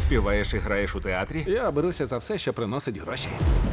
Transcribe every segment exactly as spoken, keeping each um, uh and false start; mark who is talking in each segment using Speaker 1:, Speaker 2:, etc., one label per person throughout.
Speaker 1: Співаєш і граєш у театрі?
Speaker 2: Я беруся за все, що приносить гроші.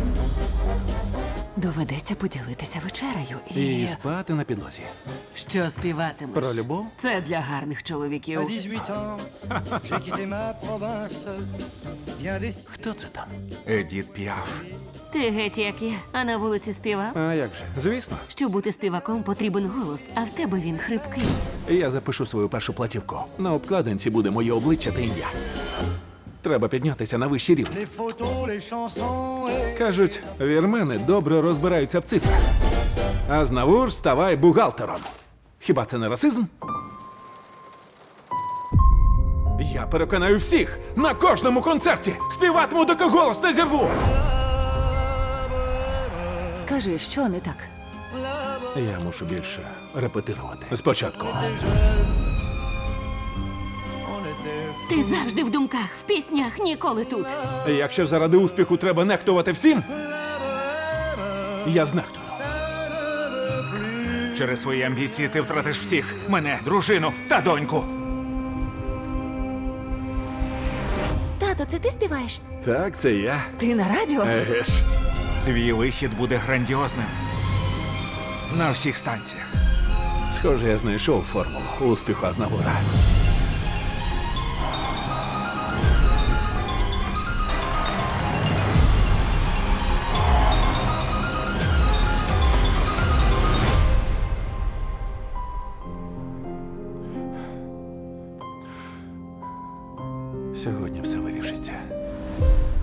Speaker 3: Доведеться поділитися вечерею і...
Speaker 2: І спати на підлозі.
Speaker 3: Що співатимеш?
Speaker 2: Про любов?
Speaker 3: Це для гарних чоловіків.
Speaker 4: À dix-huit ans, j'ai quitté ma province. Bien des...
Speaker 2: Хто це там?
Speaker 1: Едіт Піаф.
Speaker 5: Ти геть як я, а на вулиці співав.
Speaker 2: А як же? Звісно.
Speaker 5: Щоб бути співаком, потрібен голос, а в тебе він хрипкий.
Speaker 2: Я запишу свою першу платівку. На обкладинці буде моє обличчя та ім'я. Треба піднятися на вищий рівень.
Speaker 4: Les photos, les chansons et...
Speaker 2: Кажуть, вірмени добре розбираються в цифрах. А знавур ставай бухгалтером. Хіба це не расизм? Я переконаю всіх на кожному концерті. Співатиму, доки голос не зірву.
Speaker 3: Скажи, що не так?
Speaker 2: Я мушу більше репетирувати. Спочатку.
Speaker 4: On était...
Speaker 5: Ти завжди в думках, в піснях, ніколи тут.
Speaker 2: Якщо заради успіху треба нехтувати всім, я знехтую.
Speaker 1: Через свої амбіції ти втратиш всіх. Мене, дружину та доньку.
Speaker 5: Тато, це ти співаєш?
Speaker 2: Так, це я.
Speaker 3: Ти на радіо?
Speaker 2: Еге ж.
Speaker 1: Твій вихід буде грандіозним. На всіх станціях.
Speaker 2: Схоже, я знайшов формулу успіху Азнавура. Сьогодні все вирішиться.